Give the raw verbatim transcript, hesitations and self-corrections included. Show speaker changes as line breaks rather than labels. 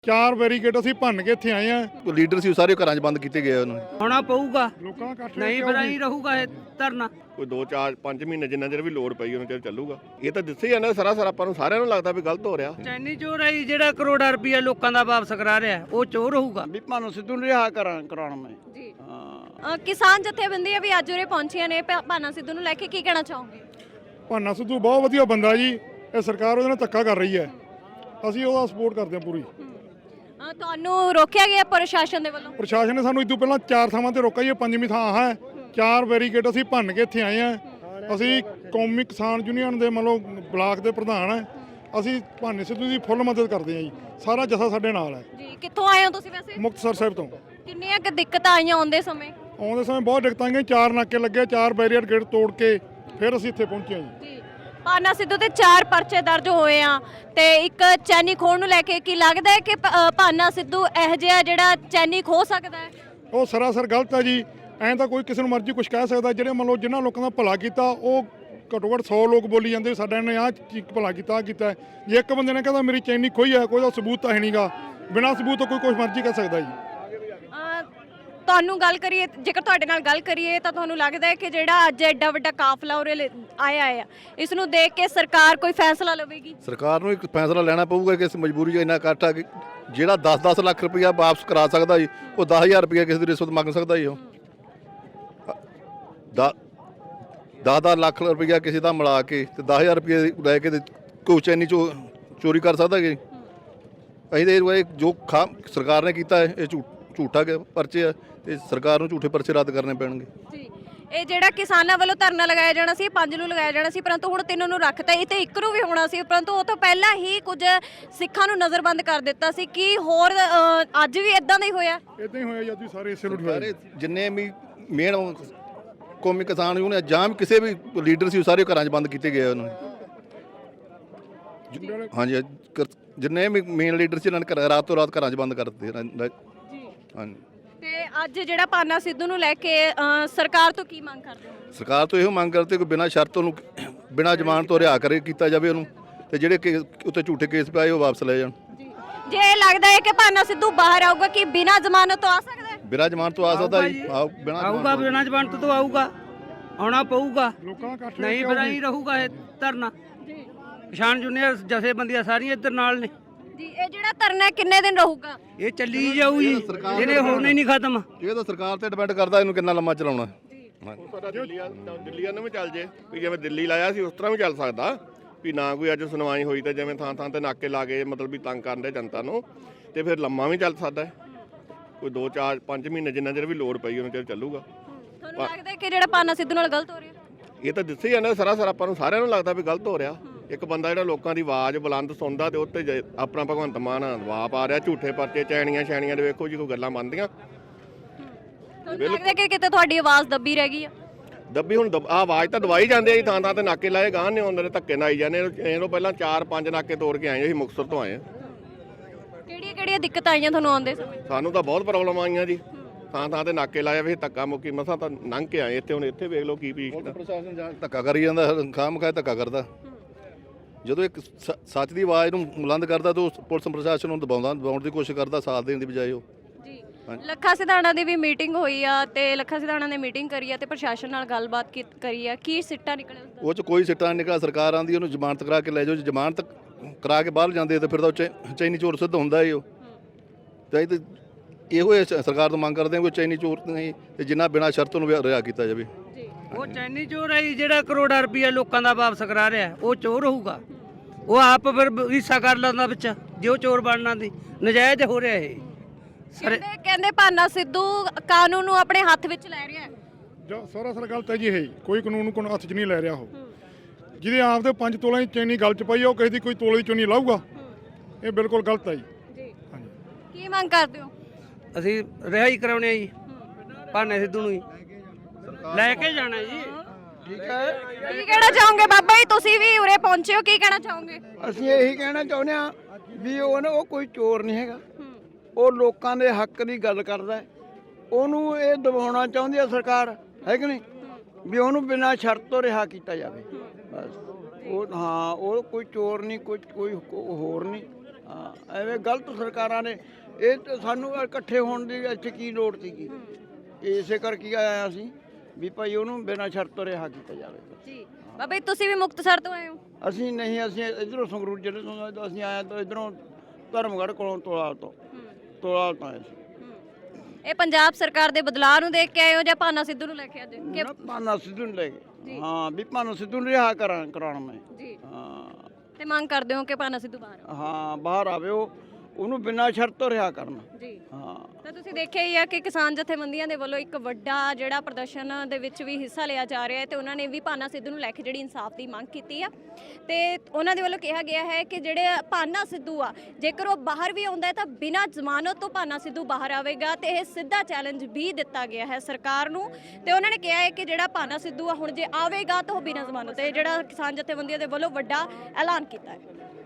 ਚਾਰ ਬੈਰੀਕੇਡ ਅਸੀਂ ਭੰਨ ਕੇ ਇੱਥੇ ਆਏ ਆ।
ਲੀਡਰ ਸੀ ਸਾਰੇ ਘਰਾਂ 'ਚ ਬੰਦ ਕੀਤੇ ਗਏ ਉਹਨਾਂ
ਹੋਣਾ ਪਊਗਾ,
ਲੋਕਾਂ ਦਾ ਇਕੱਠ
ਨਹੀਂ ਫਿਰ ਨਹੀਂ ਰਹੂਗਾ ਇਹ ਧਰਨਾ।
ਕੋਈ ਦੋ ਚਾਰ ਪੰਜ ਮਹੀਨੇ ਜਿੰਨਾ ਚਿਰ ਵੀ ਲੋੜ ਪਈ ਉਹਨਾਂ ਚਿਰ ਚੱਲੂਗਾ। ਇਹ ਤਾਂ ਦਿੱਸੇ ਜਾਂਦਾ ਸਾਰਾ ਸਾਰਾ ਆਪਾਂ ਨੂੰ ਸਾਰਿਆਂ ਨੂੰ ਲੱਗਦਾ ਵੀ ਗਲਤ ਹੋ ਰਿਹਾ।
ਚੈਨੀ ਚੋਰ ਹੈ ਜਿਹੜਾ ਕਰੋੜਾਂ ਰੁਪਇਆ ਲੋਕਾਂ ਦਾ ਵਾਪਸ ਕਰਾ ਰਿਹਾ, ਉਹ ਚੋਰ ਹੋਊਗਾ।
ਵੀ ਭਾਨੂੰ ਸਿੱਧੂ ਨੂੰ ਰਿਹਾ ਕਰਾਂ ਕਰਾਉਣਾ ਮੈਂ
ਜੀ
ਹਾਂ।
ਅ, ਕਿਸਾਨ ਜਥੇਬੰਦੀਆਂ ਵੀ ਅੱਜ ਉਰੇ ਪਹੁੰਚੀਆਂ ਨੇ ਭ- ਭਾਨਾ ਸਿੱਧੂ ਨੂੰ ਲੈ ਕੇ ਕੀ ਕਹਿਣਾ ਚਾਹੋਗੇ?
ਭਾਨਾ ਸਿੱਧੂ ਬਹੁਤ ਵਧੀਆ ਬੰਦਾ ਜੀ। ਇਹ ਸਰਕਾਰ ਉਹਦੇ ਨਾਲ ਧੱਕਾ ਕਰ ਰਹੀ ਹੈ, ਅਸੀਂ ਉਹਦਾ ਸਪੋਰਟ ਕਰਦੇ ਹਾਂ ਪੂਰੀ।
ਅ, ਤੁਹਾਨੂੰ ਰੋਕਿਆ ਗਿਆ ਪ੍ਰਸ਼ਾਸਨ ਦੇ ਵੱਲੋਂ?
ਪ੍ਰਸ਼ਾਸਨ ਨੇ ਸਾਨੂੰ ਇਸ ਤੋਂ ਪਹਿਲਾਂ ਚਾਰ ਥਾਵਾਂ ਤੇ ਰੋਕਿਆ ਜੀ, ਇਹ ਪੰਜਵੀਂ ਥਾਂ ਆਹ ਹੈ। ਚਾਰ ਬੈਰੀਕੇਡ ਅਸੀਂ ਭੰਨ ਕੇ ਇੱਥੇ ਆਏ ਆ। ਅਸੀਂ ਕੌਮੀ ਕਿਸਾਨ ਯੂਨੀਅਨ ਦੇ ਮਤਲਬ ਬਲਾਕ ਦੇ ਪ੍ਰਧਾਨ ਹੈ। ਅਸੀਂ ਭਾਨੇ ਸਿੱਧੂ ਦੀ ਫੁੱਲ ਮਦਦ ਕਰਦੇ ਹਾਂ ਜੀ, ਸਾਰਾ ਜਥਾ ਸਾਡੇ ਨਾਲ ਹੈ।
ਜੀ ਕਿੱਥੋਂ ਆਏ ਹੋ ਤੁਸੀਂ ਵੈਸੇ?
ਮੁਕਤਸਰ ਸਾਹਿਬ ਤੋਂ।
ਕਿੰਨੀਆਂ ਕੁ ਦਿੱਕਤਾਂ ਆਈਆਂ ਆਉਂਦੇ ਸਮੇਂ?
ਆਉਂਦੇ ਸਮੇਂ ਬਹੁਤ ਦਿੱਕਤਾਂ ਆਈਆਂ, ਚਾਰ ਨਾਕੇ ਲੱਗੇ, ਚਾਰ ਬੈਰੀਕੇਡ ਤੋੜ ਕੇ ਫਿਰ ਅਸੀਂ ਇੱਥੇ ਪਹੁੰਚੇ ਹਾਂ ਜੀ।
ਜੀ ਭਾਨਾ ਸਿੱਧੂ ਤੇ ਚਾਰ ਪਰਚੇ ਦਰਜ ਹੋਏ ਆ ਤੇ ਇੱਕ ਚੈਨੀ ਖੋਣ ਨੂੰ ਲੈ ਕੇ ਕੀ ਲੱਗਦਾ ਹੈ ਕਿ ਭ- ਅ, ਭਾਨਾ ਸਿੱਧੂ ਇਹੋ ਜਿਹਾ ਜਿਹੜਾ ਚੈਨੀ ਖੋ ਸਕਦਾ ਹੈ?
ਉਹ ਸਰਾਸਰ ਗਲਤ ਹੈ ਜੀ। ਐਂ ਤਾਂ ਕੋਈ ਕਿਸੇ ਨੂੰ ਮਰਜ਼ੀ ਕੁਝ ਕਹਿ ਸਕਦਾ। ਜਿਹੜੇ ਮੰਨ ਲਓ ਜਿਨ੍ਹਾਂ ਲੋਕਾਂ ਦਾ ਭਲਾ ਕੀਤਾ, ਉਹ ਘੱਟੋ ਘੱਟ ਸੌ ਲੋਕ ਬੋਲੀ ਜਾਂਦੇ ਸਾਡਾ ਇਹਨੇ ਆਹ ਚੀਜ਼ ਭਲਾ ਕੀਤਾ, ਆਹ ਕੀਤਾ। ਜੇ ਇੱਕ ਬੰਦੇ ਨੇ ਕਹਿੰਦਾ ਮੇਰੀ ਚੈਨੀ ਖੋਈ ਹੈ, ਕੋਈ ਦਾ ਸਬੂਤ ਤਾਂ ਹੈ ਨਹੀਂਗਾ। ਬਿਨਾਂ ਸਬੂਤ ਤੋਂ ਕੋਈ ਕੁਝ ਮਰਜ਼ੀ ਕਹਿ ਸਕਦਾ ਜੀ।
ਅ, ਤੁਹਾਨੂੰ ਗੱਲ ਕਰੀਏ, ਜੇਕਰ ਤੁਹਾਡੇ ਨਾਲ ਗੱਲ ਕਰੀਏ ਤਾਂ ਤੁਹਾਨੂੰ ਲੱਗਦਾ ਹੈ ਕਿ ਜਿਹੜਾ ਅੱਜ ਐਡਾ ਵੱਡਾ ਕਾਫਲਾ ਉਰੇ ਲ- ਆਇਆ ਆ, ਇਸ ਨੂੰ ਦੇਖ ਕੇ ਸਰਕਾਰ ਕੋਈ ਫੈਸਲਾ ਲਵੇਗੀ?
ਸਰਕਾਰ ਨੂੰ ਇੱਕ ਫੈਸਲਾ ਲੈਣਾ ਪਊਗਾ ਕਿ ਇਸ ਮਜਬੂਰੀ 'ਚ ਇੰਨਾ ਇਕੱਠ ਆ ਕਿ ਜਿਹੜਾ ਦਸ ਦਸ ਲੱਖ ਰੁਪਇਆ ਵਾਪਸ ਕਰਾ ਸਕਦਾ ਜੀ, ਉਹ ਦਸ ਹਜ਼ਾਰ ਰੁਪਇਆ ਕਿਸੇ ਦੀ ਰਿਸ਼ਵਤ ਮੰਗ ਸਕਦਾ ਜੀ। ਉਹ ਦਸ ਦਸ ਲੱਖ ਰੁਪਇਆ ਕਿਸੇ ਦਾ ਮਿਲਾ ਕੇ ਤੇ ਦਸ ਹਜ਼ਾਰ ਰੁਪਇਆ ਲੈ ਕੇ ਤੇ ਕੋਈ ਚੈਨੀ ਚੋ ਚੋਰੀ ਕਰ ਸਕਦਾ ਜੀ। ਅਸੀਂ ਤੇ ਇਹ ਜੋ ਖਾ ਸਰਕਾਰ ਨੇ ਕੀਤਾ ਹੈ ਇਹ ਝੂਠ ਝੂਠਾ ਕਿ ਪਰਚੇ ਆ, ਤੇ ਸਰਕਾਰ ਨੂੰ ਝੂਠੇ ਪਰਚੇ ਰੱਦ ਕਰਨੇ ਪੈਣਗੇ।
ਜੀ ਇਹ ਜਿਹੜਾ ਕਿਸਾਨਾਂ ਵੱਲੋਂ ਧਰਨਾ ਲਗਾਇਆ ਜਾਣਾ ਸੀ, ਪੰਜ ਨੂੰ ਲਗਾਇਆ ਜਾਣਾ ਸੀ, ਪਰੰਤੂ ਹੁਣ ਤਿੰਨ ਨੂੰ ਰੱਖਤਾ। ਇਹ ਤੇ ਇੱਕ ਨੂੰ ਵੀ ਹੋਣਾ ਸੀ, ਪਰੰਤੂ ਉਹ ਤੋਂ ਪਹਿਲਾਂ ਹੀ ਕੁਝ ਸਿੱਖਾਂ ਨੂੰ ਨਜ਼ਰਬੰਦ ਕਰ ਦਿੱਤਾ ਸੀ। ਕੀ ਹੋਰ ਅ, ਅੱਜ ਵੀ ਇਦਾਂ ਦਾ ਹੀ ਹੋਇਆ?
ਇਦਾਂ ਹੀ ਹੋਇਆ ਜੀ, ਸਾਰੇ ਇਸੇ ਨੂੰ
ਸਾਰੇ ਜਿੰਨੇ ਵੀ ਮੇਨ ਕੌਮੀ ਕਿਸਾਨ ਯੂਨੀਅਨ ਜਾਂ ਵੀ ਕਿਸੇ ਵੀ ਲੀਡਰ ਸੀ, ਸਾਰੇ ਘਰਾਂ 'ਚ ਬੰਦ ਕੀਤੇ ਗਏ ਉਹਨਾਂ ਨੇ। ਹਾਂਜੀ ਕਰ- ਜਿੰਨੇ ਵੀ ਮੇਨ ਲੀਡਰ ਸੀ, ਇਹਨਾਂ ਨੇ ਘਰ- ਰਾਤੋਂ ਰਾਤ ਘਰਾਂ 'ਚ ਬੰਦ ਕਰ ਦਿੱਤੇ। ਹਾਂਜੀ
ਤੇ ਅੱਜ ਜਿਹੜਾ ਭਾਨਾ ਸਿੱਧੂ ਨੂੰ ਲੈ ਕੇ ਅ, ਸਰਕਾਰ ਤੋਂ ਕੀ ਮੰਗ ਕਰਦੇ ਹੋ?
ਸਰਕਾਰ ਤੋਂ ਇਹੋ ਮੰਗ ਕਰਦੇ ਕਿ ਬਿਨਾਂ ਸ਼ਰਤ ਉਹਨੂੰ ਬਿਨਾਂ ਜ਼ਮਾਨਤ ਤੋਂ ਰਿਹਾ ਕਰੇ ਕੀਤਾ ਜਾਵੇ ਉਹਨੂੰ, ਤੇ ਜਿਹੜੇ ਕੇ ਉੱਤੇ ਝੂਠੇ ਕੇਸ ਪਾਏ ਉਹ ਵਾਪਸ ਲੈ ਜਾਣ।
ਜੇ ਇਹ ਲੱਗਦਾ ਹੈ ਕਿ ਭਾਨਾ ਸਿੱਧੂ ਬਾਹਰ ਆਊਗਾ, ਕਿ ਬਿਨਾਂ ਜ਼ਮਾਨਤ ਤੋਂ ਆ ਸਕਦਾ ਹੈ?
ਬਿਨਾਂ ਜ਼ਮਾਨਤ ਤੋਂ ਆ ਸਕਦਾ ਜੀ। ਆਓ ਬਿਨਾਂ
ਆਊਗਾ, ਬਿਨਾਂ ਜ਼ਮਾਨਤ ਤੋਂ ਆਊਗਾ, ਆਉਣਾ ਪਊਗਾ,
ਲੋਕਾਂ ਦਾ ਇਕੱਠ
ਨਹੀਂ ਫਿਰ ਨਹੀਂ ਰਹੂਗਾ ਇਹ ਧਰਨਾ।
ਜੀ
ਕਿਸਾਨ ਯੂਨੀਅਨ ਜਥੇਬੰਦੀਆਂ ਸਾਰੀਆਂ ਇੱਧਰ ਨਾਲ ਨੇ।
ਜੀ ਇਹ ਜਿਹੜਾ ਧਰਨਾ ਕਿੰਨੇ ਦਿਨ ਰਹੂਗਾ?
ਇਹ ਚੱਲੀ ਜਾਊ ਜੀ, ਇਹਨੇ ਹੋਣਾ ਹੀ ਨਹੀਂ ਖਤਮ।
ਇਹ ਤਾਂ ਸਰਕਾਰ ਤੇ ਡਿਪੈਂਡ ਕਰਦਾ ਇਹਨੂੰ ਕਿੰਨਾ ਲੰਮਾ ਚਲਾਉਣਾ।
ਸਾਡਾ ਦਿੱਲੀ ਦਿੱਲੀ ਨੂੰ ਵੀ ਚੱਲ ਜੇ ਵੀ ਜਿਵੇਂ ਦਿੱਲੀ ਲਾਇਆ ਸੀ ਉਸ ਤਰ੍ਹਾਂ ਵੀ ਚੱਲ ਸਕਦਾ ਵੀ ਨਾ ਕੋਈ ਅੱਜ ਸੁਣਵਾਈ ਹੋਈ ਤਾਂ ਜਿਵੇਂ ਥਾਂ ਥਾਂ ਤੇ ਨਾਕੇ ਲਾ ਕੇ ਮਤਲਬ ਵੀ ਤੰਗ ਕਰਦੇ ਜਨਤਾ ਨੂੰ, ਤੇ ਫਿਰ ਲੰਮਾ ਵੀ ਚੱਲ ਸਕਦਾ। ਕੋਈ ਦੋ ਚਾਰ ਪੰਜ ਮਹੀਨੇ ਜਿੰਨਾ ਚਿਰ ਵੀ ਲੋੜ ਪਈ ਉਹਨਾਂ ਚਿਰ ਚੱਲੂਗਾ।
ਤੁਹਾਨੂੰ ਲੱਗਦਾ ਹੈ ਕਿ ਜਿਹੜਾ ਭਾਨਾ ਸਿੱਧੂ ਨਾਲ ਗਲਤ ਹੋ ਰਿਹਾ?
ਇਹ ਤਾਂ ਦਿੱਸੇ ਜਾਂਦਾ ਸਾਰਾ ਸਾਰਾ ਆਪਾਂ ਨੂੰ ਸਾਰਿਆਂ ਨੂੰ ਲੱਗਦਾ ਵੀ ਗਲਤ ਹੋ ਰਿਹਾ। ਇੱਕ ਬੰਦਾ ਜਿਹੜਾ ਲੋਕਾਂ ਦੀ ਆਵਾਜ਼ ਬੁਲੰਦ ਸੁਣਦਾ ਤੇ ਉੱਤੇ ਜ- ਆਪਣਾ ਭਗਵੰਤ ਮਾਨ ਦਬਾਅ ਪਾ ਰਿਹਾ, ਝੂਠੇ ਪਰਚੇ ਚੈਣੀਆਂ ਛੈਣੀਆਂ ਦੇ ਵੇਖੋ ਜੀ ਕੋਈ ਗੱਲਾਂ ਬਣਦੀਆਂ।
ਤੁਹਾਨੂੰ ਲੱਗਦਾ ਕਿ ਕਿਤੇ ਤੁਹਾਡੀ ਆਵਾਜ਼ ਦੱਬੀ ਰਹਿ ਗਈ ਆ?
ਦੱਬੀ ਹੁਣ ਦਬ- ਆਹ ਆਵਾਜ਼ ਤਾਂ ਦਵਾਈ ਜਾਂਦੇ ਆ ਜੀ, ਥਾਂ ਥਾਂ ਤੇ ਨਾਕੇ ਲਾਏ ਗਾਂ ਨੇ ਹੁੰਦੇ ਨੇ, ਧੱਕੇ ਨਾਲ ਆਈ ਜਾਂਦੇ। ਇਹਨੂੰ ਪਹਿਲਾਂ ਚਾਰ ਪੰਜ ਨਾਕੇ ਤੋੜ ਕੇ ਆਏ, ਅਸੀਂ ਮੁਕਤਸਰ ਤੋਂ ਆਏ ਹਾਂ।
ਕਿਹੜੀਆਂ ਕਿਹੜੀਆਂ ਦਿੱਕਤਾਂ ਆਈਆਂ ਤੁਹਾਨੂੰ ਆਉਂਦੇ ਸਮੇਂ?
ਸਾਨੂੰ ਤਾਂ ਬਹੁਤ ਪ੍ਰੋਬਲਮ ਆਈਆਂ ਜੀ, ਥਾਂ ਥਾਂ ਤੇ ਨਾਕੇ ਲਾਏ ਵੇ, ਧੱਕਾ ਮੁੱਕੀ ਮਸਾਂ ਤਾਂ ਲੰਘ ਕੇ ਆਏ ਇੱਥੇ। ਹੁਣ ਇੱਥੇ ਵੇਖ ਲਓ ਕੀ ਪੀਸ਼
ਪ੍ਰਸ਼ਾਸਨ ਜਾਂ ਧੱਕਾ ਕਰੀ ਜਾਂਦਾ, ਖਾਮ ਖਾਏ ਧੱਕਾ ਕਰਦਾ। ਜਦੋਂ ਇੱਕ ਸ- ਸੱਚ ਦੀ ਆਵਾਜ਼ ਨੂੰ ਬੁਲੰਦ ਕਰਦਾ ਤਾਂ ਉਹ ਪੁਲਿਸ ਪ੍ਰਸ਼ਾਸਨ ਨੂੰ ਦਬਾਉਂਦਾ ਦਬਾਉਣ ਦੀ ਕੋਸ਼ਿਸ਼ ਕਰਦਾ, ਸਾਥ ਦੇਣ ਦੀ ਬਜਾਏ ਉਹ।
ਜੀ ਲੱਖਾ ਸਿਧਾਣਾ ਦੀ ਵੀ ਮੀਟਿੰਗ ਹੋਈ ਆ ਤੇ ਲੱਖਾ ਸਿਧਾਣਾ ਨੇ ਮੀਟਿੰਗ ਕਰੀ ਆ ਤੇ ਪ੍ਰਸ਼ਾਸਨ ਨਾਲ ਗੱਲਬਾਤ ਕੀ- ਕਰੀ ਆ, ਕੀ ਸਿੱਟਾ ਨਿਕਲੇ ਉਸਦਾ?
ਉਹ 'ਚ ਕੋਈ ਸਿੱਟਾ ਨਹੀਂ ਨਿਕਲਿਆ। ਸਰਕਾਰ ਆਂਦੀ ਉਹਨੂੰ ਜ਼ਮਾਨਤ ਕਰਾ ਕੇ ਲੈ ਜਾਓ, ਜੇ ਜ਼ਮਾਨਤ ਕਰਾ ਕੇ ਬਾਹਰ ਜਾਂਦੇ ਤਾਂ ਫਿਰ ਤਾਂ ਉਹ ਚੈ- ਚੈਨੀ ਚੋਰ ਸਿੱਧ ਹੁੰਦਾ ਹੀ ਉਹ। ਤਾਂ ਇਹ ਤਾਂ ਇਹੋ ਹੀ ਸ- ਸਰਕਾਰ ਤੋਂ ਮੰਗ ਕਰਦੇ ਹਾਂ ਕੋਈ ਚੈਨੀ ਚੋਰ ਨਹੀਂ, ਤੇ ਜਿੰਨਾ ਬਿਨਾਂ ਸ਼ਰਤ ਨੂੰ ਰਿਹਾ ਕੀਤਾ ਜਾਵੇ।
ਜੀ
ਉਹ ਚੈਨੀ ਚੋਰ ਹੈ ਜੀ, ਜਿਹੜਾ ਕਰੋੜਾਂ ਰੁਪਇਆ ਲੋਕਾਂ ਦਾ ਵਾਪਸ ਕਰਾ ਰਿਹਾ, ਉਹ ਚੋਰ ਹੋਊਗਾ। ਉਹ ਆਪ ਫਿਰ ਹਿੱਸਾ ਕਰ ਲੈਂਦਾ ਵਿੱਚ, ਜੇ ਉਹ ਚੋਰ ਬਣਨਾ ਦੀ ਨਜਾਇਜ਼ ਹੋ ਰਿਹਾ ਇਹ।
ਕਹਿੰਦੇ ਕਹਿੰਦੇ ਭਾਨਾ ਸਿੱਧੂ ਕਾਨੂੰਨ ਨੂੰ ਆਪਣੇ ਹੱਥ ਵਿੱਚ ਲੈ ਰਿਹਾ ਹੈ।
ਜੋ ਸਰਾਸਰ ਗਲਤ ਹੈ ਜੀ। ਇਹ ਕੋਈ ਕਾਨੂੰਨ ਨੂੰ ਕੋਈ ਹੱਥ 'ਚ ਨਹੀਂ ਲੈ ਰਿਹਾ। ਉਹ ਜਿਹਦੇ ਆਪ ਦੇ ਪੰਜ ਤੋਲੇ ਦੀ ਚੈਨੀ ਗਲ 'ਚ ਪਈ, ਉਹ ਕਿਸੇ ਦੀ ਕੋਈ ਤੋਲੇ ਦੀ ਚੁੰਨੀ ਲਾਊਗਾ। ਇਹ ਬਿਲਕੁਲ ਗਲਤ ਹੈ ਜੀ।
ਜੀ
ਹਾਂਜੀ
ਕੀ ਮੰਗ ਕਰਦੇ ਹੋ?
ਅਸੀਂ ਰਿਹਾਈ ਕਰਾਉਣੇ ਆ ਜੀ ਭਾਨੇ ਸਿੱਧੂ ਨੂੰ ਜੀ, ਲੈ ਕੇ ਜਾਣਾ ਜੀ।
ਠੀਕ ਹੈ,
ਕੀ ਕਹਿਣਾ ਚਾਹੋਗੇ ਬਾਬਾ ਜੀ? ਤੁਸੀਂ ਵੀ ਉਰੇ ਪਹੁੰਚੇ ਹੋ, ਕੀ ਕਹਿਣਾ ਚਾਹੋਗੇ?
ਅਸੀਂ ਇਹੀ ਕਹਿਣਾ ਚਾਹੁੰਦੇ ਆ ਵੀ ਉਹ ਨਾ ਉਹ ਕੋਈ ਚੋਰ ਨਹੀਂ ਹੈਗਾ, ਉਹ ਲੋਕਾਂ ਦੇ ਹੱਕ ਦੀ ਗੱਲ ਕਰਦਾ ਹੈ। ਉਹਨੂੰ ਇਹ ਦਬਾਉਣਾ ਚਾਹੁੰਦੀ ਹੈ ਸਰਕਾਰ, ਹੈ ਕਿ ਨਹੀਂ, ਵੀ ਉਹਨੂੰ ਬਿਨਾਂ ਸ਼ਰਤ ਤੋਂ ਰਿਹਾ ਕੀਤਾ ਜਾਵੇ ਬਸ। ਉਹ ਹਾਂ ਉਹ ਕੋਈ ਚੋਰ ਨਹੀਂ, ਕੋਈ ਕੋਈ ਹੋਰ ਨਹੀਂ। ਹਾਂ ਐਵੇਂ ਗਲਤ ਸਰਕਾਰਾਂ ਨੇ ਇਹ ਤਾਂ ਸਾਨੂੰ ਇਕੱਠੇ ਹੋਣ ਦੀ ਇੱਥੇ ਕੀ ਲੋੜ ਸੀਗੀ ਇਸੇ ਕਰਕੇ ਆਇਆ ਅਸੀਂ ਵੀ ਭਾਈ ਉਹਨੂੰ ਬਿਨਾਂ ਸ਼ਰਤ ਤੋਂ ਰਿਹਾ ਕੀਤਾ ਜਾਵੇ
ਜੀ ਬਾਬਾ ਜੀ ਤੁਸੀਂ ਵੀ ਮੁਕਤਸਰ ਤੋਂ ਆਏ ਹੋ?
ਅਸੀਂ ਨਹੀਂ ਅਸੀਂ ਇਧਰੋਂ ਸੰਗਰੂਰ ਜ਼ਿਲ੍ਹੇ ਤੋਂ ਅਸੀਂ ਆਏ ਤਾਂ ਇਧਰੋਂ ਧਰਮਗੜ੍ਹ ਕੋਲੋਂ ਤੋਲਾ ਤੋਂ ਤੋਲਾ ਤੋਂ ਆਏ ਸੀ।
ਇਹ ਪੰਜਾਬ ਸਰਕਾਰ ਦੇ ਬਦਲਾਅ ਨੂੰ ਦੇਖ ਕੇ ਆਏ ਹੋ ਜਾਂ ਭਾਨਾ ਸਿੱਧੂ ਨੂੰ ਲੈ ਕੇ ਅੱਜ ਕਿ
ਨਾ ਭਾਨਾ ਸਿੱਧੂ ਨੂੰ ਲੈ ਕੇ ਹਾਂ ਵੀ ਭਾਨਾ ਸਿੱਧੂ ਨੂੰ ਰਿਹਾ ਕਰਾਂ ਕਰਾਉਣ ਮੈਂ
ਜੀ
ਹਾਂ
ਤੇ ਮੰਗ ਕਰਦੇ ਹੋ ਕਿ ਭਾਨਾ ਸਿੱਧੂ ਬਾਹਰ ਆਵੇ?
ਹਾਂ ਬਾਹਰ ਆਵੇ ਉਹ ਉਹਨੂੰ ਬਿਨਾਂ ਸ਼ਰਤ ਤੋਂ ਰਿਹਾ ਕਰਨਾ
ਜੀ
ਹਾਂ
ਤਾਂ ਤੁਸੀਂ ਦੇਖਿਆ ਹੀ ਆ ਕਿ ਕਿਸਾਨ ਜਥੇਬੰਦੀਆਂ ਦੇ ਵੱਲੋਂ ਇੱਕ ਵੱਡਾ ਜਿਹੜਾ ਪ੍ਰਦਰਸ਼ਨ ਦੇ ਵਿੱਚ ਵੀ ਹਿੱਸਾ ਲਿਆ ਜਾ ਰਿਹਾ ਹੈ ਤੇ ਉਹਨਾਂ ਨੇ ਵੀ ਭਾਨਾ ਸਿੱਧੂ ਨੂੰ ਲੈ ਕੇ ਜਿਹੜੀ ਇਨਸਾਫ ਦੀ ਮੰਗ ਕੀਤੀ ਆ ਤੇ ਉਹਨਾਂ ਦੇ ਵੱਲੋਂ ਕਿਹਾ ਗਿਆ ਹੈ ਕਿ ਜਿਹੜੇ ਭਾਨਾ ਸਿੱਧੂ ਆ ਜੇਕਰ ਉਹ ਬਾਹਰ ਵੀ ਆਉਂਦਾ ਹੈ ਤਾਂ ਬਿਨਾਂ ਜ਼ਮਾਨਤ ਤੋਂ ਭਾਨਾ ਸਿੱਧੂ ਬਾਹਰ ਆਵੇਗਾ ਤੇ ਇਹ ਸਿੱਧਾ ਚੈਲੰਜ ਵੀ ਦਿੱਤਾ ਗਿਆ ਹੈ ਸਰਕਾਰ ਨੂੰ ਤੇ ਉਹਨਾਂ ਨੇ ਕਿਹਾ ਹੈ ਕਿ ਜਿਹੜਾ ਭਾਨਾ ਸਿੱਧੂ ਆ ਹੁਣ ਜੇ ਆਵੇਗਾ ਤਾਂ ਉਹ ਬਿਨਾਂ ਜ਼ਮਾਨਤ ਤੇ ਜਿਹੜਾ ਕਿਸਾਨ ਜਥੇਬੰਦੀਆਂ ਦੇ ਵੱਲੋਂ ਵੱਡਾ ਐਲਾਨ ਕੀਤਾ ਹੈ।